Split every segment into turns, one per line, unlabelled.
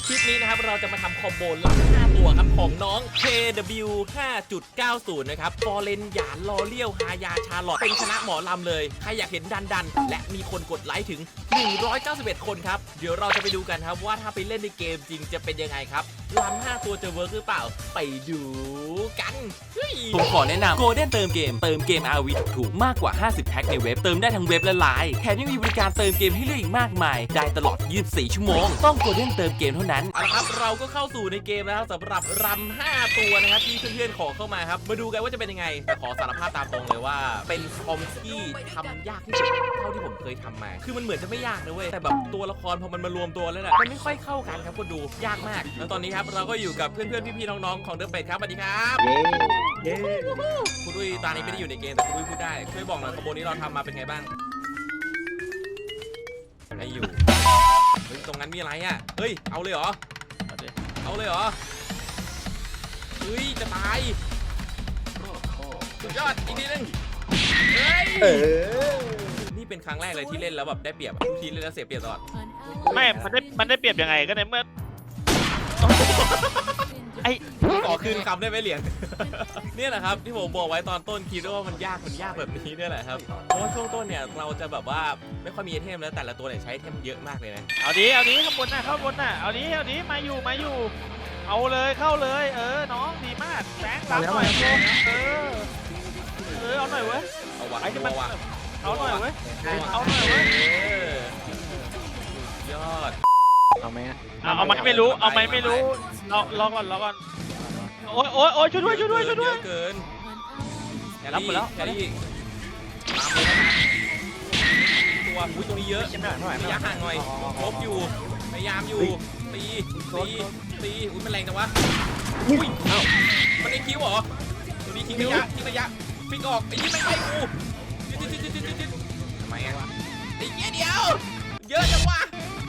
คลิปนี้นะครับเราจะมาทำคอมโบหลัง5ตัวครับของน้อง KW 5.90 นะครับฟอร์เรนหยานลอเลียวฮายาชาร์ลอตเป็นคณะหมอลำเลยใครอยากเห็นดันและมีคนกดไลค์ถึง191คนครับเดี๋ยวเราจะไปดูกันครับว่าถ้าไปเล่นในเกมจริงจะเป็นยังไงครับลำ5ตัวจะเวิร์กหรือเปล่าไปดูกันผมขอแนะนำ Golden เติมเกม RV ถูกมากกว่า50แพ็คในเว็บเติมได้ทั้งเว็บและไลน์แถมยังมีบริการเติมเกมให้เลือกอีกมากมายได้ตลอด24ชั่วโมงต้อง Golden เติมเกมเท่านั้นเอาละครับเราก็เข้าสู่ในเกมแล้วสำหรับรำ5ตัวนะครับที่เพื่อนๆขอเข้ามาครับมาดูกันว่าจะเป็นยังไงแต่ขอสารภาพตามตรงเลยว่าเป็นคอมที่ทำยากที่สุดเท่าที่ผมเคยทำมาคือมันเหมือนจะไม่ยากนะเว้ยแต่แบบตัวละครพอมันมารวมตัวแล้วน่ะมันไม่ค่อยเข้ากันครับคนดูยากมากแล้วตอนนี้ครับเราก็อยู่กับเพื่อนๆพี่ๆน้องๆของเดอะเป็ดครับสวัสดีครับเย้คุณดุ้ยตอนนี้ไม่ได้อยู่ในเกมแต่คุณดุ้ยพูดได้ช่วยบอกหน่อยคอมโบนี้เราทำมาเป็นไงบ้างไม่อยู่เฮ้ยตรงนั้นมีอะไรอ่ะเฮ้ยเอาเลยเหรอเอาเลยเหรอเฮ้ยจะตายสุดยอดอีกทีนึงเฮ้ยนี่เป็นครั้งแรกเลยที่เล่นแล้วแบบได้เปรียบทุกทีเล่นแล้วเสียเปรียบตลอด
ไม่มันได้เปรียบยังไงก็ในเมื่อไอ้
ขอคืนคำได้ไหมเหรียญ เนี่ยแหละครับที่ผมบอกไว้ตอนต้นคิดว่ามันยากแบบนี้เนี่ยแหละครับเพราะว่าช่วงต้นเนี่ยเราจะแบบว่าไม่ค่อยมีไอเทมแล้วแต่ละตัวเนี่ยใช้ไอเทมเยอะมากเลยนะ
เอาดีข้างบนน่ะเอาดีมาอยู่เอาเลยเข้าเลยน้องดีมากแบงค์รับหน่อยเอาหน่อยเว้ย
เอาวะ
เอาหน่อยเว้ย
ยอด
เอาไหม
เอาไหมไม่รู้รอก่อนโอ้ยช่วยด้วย
เยอะเกิน
รับหมดแล้ว
แครี่ตัวอุ้ยตรงนี้เยอะระยะห่างหน่อยลบอยู่พยายามอยู่ตีอุ้ยมันแรงจังวะอุ้ยมันได้คิวเหรอตัวนี้ทิ้งระยะฟิกออกไอ้ยี่ไม่ไปกูทำไมอ่ะไอ้เงี้ยเดียวเยอะจังวะ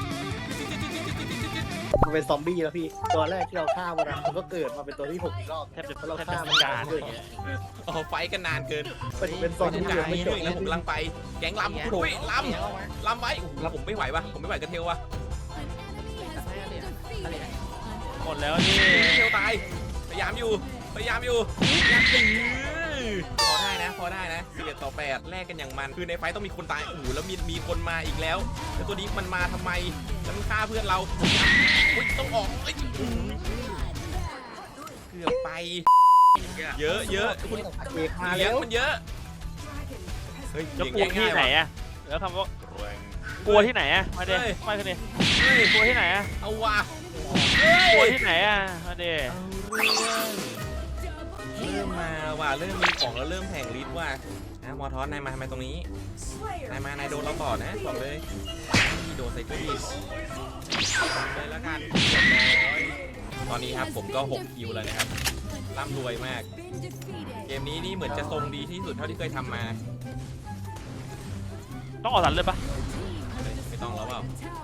มันเป็นซอมบี้แล้วพี่ตัวแรกที่เราฆ่ามันก็เกิดมาเป็นตัวที่6อีกรอบ
แทบจะ
เราฆ่ามัน
การ
ไฟกันนานเกิน
เป็นซอมบี้
ไม่จบแล้วผมกำลังไปแก๊งลำอุ้ยลำไว้ผมไม่ไหววะผมไม่ไหวกันเทลวะ
หมดแล้วนี่
เทลตายพยายามอยู่อยากตีพอได้นะ11 ต่อ 8แลกกันอย่างมันคือในไฟต้องมีคนตายแล้วมีคนมาอีกแล้วแต่ตัวนี้มันมาทำไมแล้วมันฆ่าเพื่อนเราอุ้ยต้องออกเกือบไปเยอะคุณเลี้ยงมันเยอะเฮ้ย
จะกลัวที่ไหนอะแล้วคำว่ากลัวที่ไหนอะมาเดี๋ยวมาคืนนี้กลัวที่ไหนอะ
เอาว่ะ
กลัวที่ไหนอะมาเดี๋ยว
เริ่มมาว่ะเริ่มมีของแล้วเริ่มแผงฤทธิ์ว่ะนะมอทอสนายมาทำไมตรงนี้นายโดนเราต่อนะบอกเลยโดนใส่ตัวดีเลยแล้วกันตอนนี้ครับผมก็6คิวแล้วนะครับร่ำรวยมากเกมนี้นี่เหมือนจะทรงดีที่สุดเท่าที่เคยทำมา
ต้องออกสันเลยปะ
ไม่ต้องแล้วเปล่า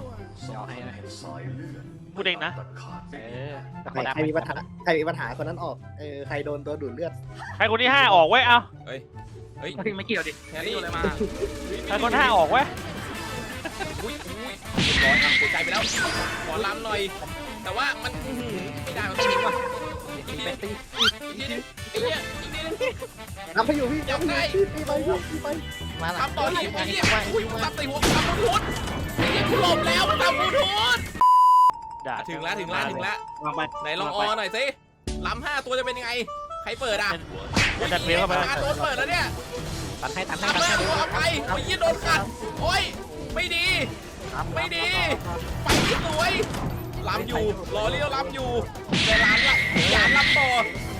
พูดเองนะ
ใครมีปัญหาคนนั้นออกใครโดนตัวดูดเลือด
ใครคนที่5ออกไว้เอา
เฮ้ย
ไม่เกี่ยวดิ
แครี่อะไรมา
ใครคน5ออกไว้
อุ้ยร้อนหัวใจไปแล้วขอล้ำหน่อยแต่ว่ามันไม่ได้มันต้องยิงว่ะอีกนิด
ทำไปอยู่พี่ทำไป
มาทำต่อที่ไอ้เนี่ยอุ้ยทำตีหัวทำบูทไอ้เนี่ยกูหลบแล้วมันทำบูทถึงแล้วไหนลองออหน่อยสิล้ำ5ตัวจะเป็นยังไงใครเปิดอ่ะ
จัดเพลงเข้าไป
โดนเปิดแล้วเนี่ย
ตัดให้
เอาไปโอ้ยโดนขัดโอ้ยไม่ดีไปที่สวยล้ำอยู่รอเลี้ยวล้ำอยู่แต่ล้ำละอย่าล้ำต่อ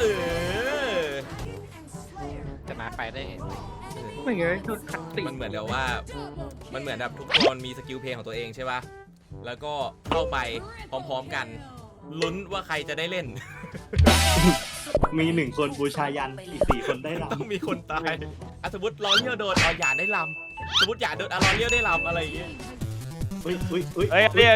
จะมาไปได้
ไม่เงี้ยจุดขัดติ
มันเหมือนเดี๋ยวว่ามันเหมือนแบบทุกคนมีสกิลเพลงของตัวเองใช่ป่ะแล้วก็เข้าไปพร้อมๆกันลุ้นว่าใครจะได้เล่น
มี1คนบูชายันอีก4คนได้ลำ
ต้องมีคนตายสมมติรอเลี้ยวโดนอย่าได้ลำสมมติอย่าโดนรอเลี้ยวได้ลำอะไรอย่างเงี้ย
เฮ้ยเด้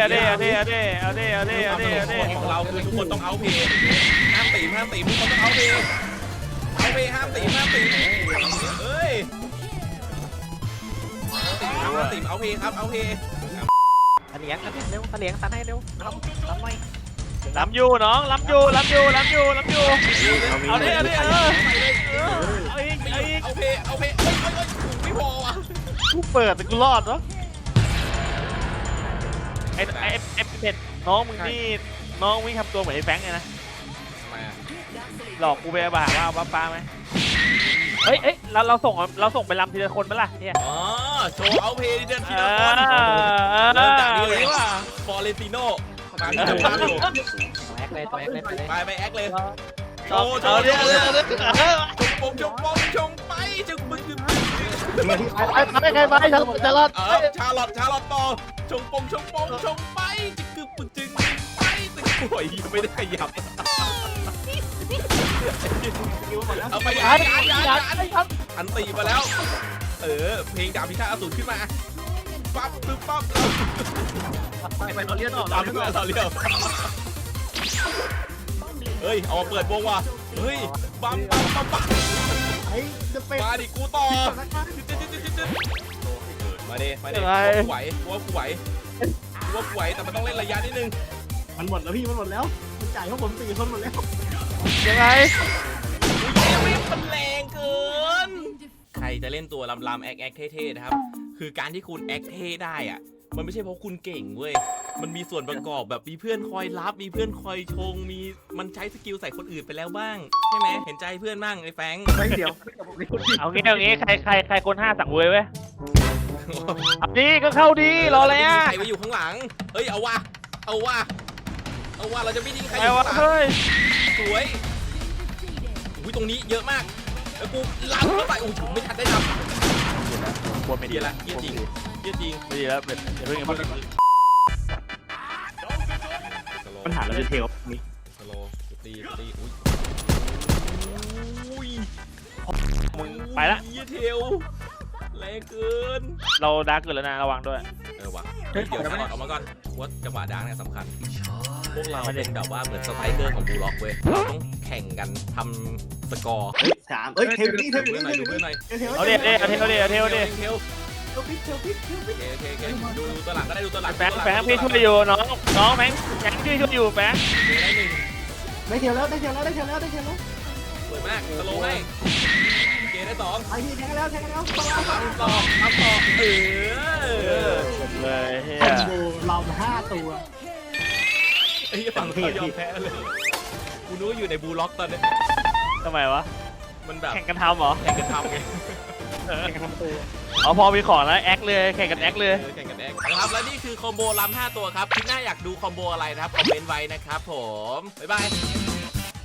ของเราคือทุกคนต้องเอาเพย์ห้ามตีทุกคนต้องเอาเพย์ห้ามตีเอ้ยห้ามตีเอาเพย์ครับเอาเพย์
ตะเลียงเร็วตะเลียงตันให้เร็วล้ำหน่อย
ล้ำอยู่น้องล้ำอยู่เอาดิเอาอีก
เอาเพเอ้ยไม่พอว่ะ
กูเปิดแต่กูรอดเนาะไอ้เป็ดน้องมึงนี่น้องวิ่งทำตัวเหมือนไอ้แฟงเลยนะ
ทำไมอ่ะ
หลอกกูไปบ้าว่าป้าไหมเฮ้ยเราส่งไปลำทีละคนไหมล่ะเนี่ย
อ๋อโชว์เอาเพเดินทีละคนเริ่มจากนี้เลยว่าฟอเรนติโน่มาที่จะพาอยู่
แอคเลยไปเลย
ไปแอคเลยโช
เอา
ว์
เอาเนี่ย
ชงไปจึงมึง
ไปใครไปจะรอด
ชาลอตต่อชงไปจึงจึงไปตึกป่วยไม่ได้ขยับเอาไปอันตีมาแล้วเพลงดาบพิฆาตอสูรขึ้นมาปั๊บ
ไปเราเลี้ยงออก
ตามเพื่อนเราเรียวเฮ้ยเอามาเปิดวงว่ะเฮ้ยปั๊ม
ไอ้จะเป็น
มาดิกูต่อมาดิว่ากูไหวแต่มันต้องเล่นระยะนิดนึง
มันหมดแล้วพี่มันหมดแล้วมันจ่ายพวกผม4 คนหมดแล้ว
ยังไง
มันแรงเกินใครจะเล่นตัวลำแอคเท่ๆนะครับคือการที่คุณแอคเท่ได้อะมันไม่ใช่เพราะคุณเก่งเว้ยมันมีส่วนประกอบแบบมีเพื่อนคอยรับมีเพื่อนคอยชงมันใช้สกิลใส่คนอื่นไปแล้วบ้างใช่ไหมเห็นใจเพื่อนบ้างไอ้แฟง
ไม่เดี๋ยว
เอางี้ใครคน5สั่งเว้ยเอาดีก็เข้าดีรออะไรอ่ะ
ใครไปอยู่ข้างหลังเฮ้ยเอาว่ะเราจะไม่ทิ้งใครอ
ไอ้
ยู่
วะ
ข้างหลัง
เฮ้ย
สวยอุ้ยตรงนี้เยอะมากแล้วกูล้ำเข้าไปโอ้โหไม่ทันได้ทำ
ปวดไม่ดี
เกียร์ละเกียร์จริง
ไม่ดีแล้วเป็นอย่าเพิ่ง
ปัญหาเราจะเทลนี่
สโลตีอุ้ย
มึงไปละ
เกียร์เทลแรงเกิน
เราดาร์กเกินแล้วนะระวังด้วย
ว่ะเดี๋ยวชาลอตออกมาก่อนว่าจังหวะดังเนี่ยสำคัญพวกเราเป็นแบบว่าเหมือนสไตรเกอร์ของบูล็อกเว้ยเราต้องแข่งกันทำสกอร์
3เทลนี่
ดูหน่อยดูหน่อย
เอาเดี๋ยวเทล
โอเคดูตัวหลังก็ได้ดูตัวหลัง
แฟงพี่ช่วยอยู่น้องแฟงพี่ช่วยอยู่แฟง
ได้หนึ่ง
ได้เทลแล้ว
สวยมากสโลว์ให้เกได้สอง
ไอ้พี่แทงแล้ว
ทำต่อ
เลยเฮีย
คอมโบเรา5 ตัว
ไอ้ฝั่งเขายอมแพ้เลยกูนึกว่าอยู่ในบูล็อกตอนนี้
ทำไมวะ
มันแบบ
แข่งกันทำเหรอ
แข่งกันทำไง
เอาพอมีของแล้วแอคเลยแข่งกันแอคเลย
แข่งกันแอคนะครับและนี่คือคอมโบล้ำ5ตัวครับที่น่าอยากดูคอมโบอะไรนะครับคอมเมนต์ไว้นะครับผมบ๊ายบาย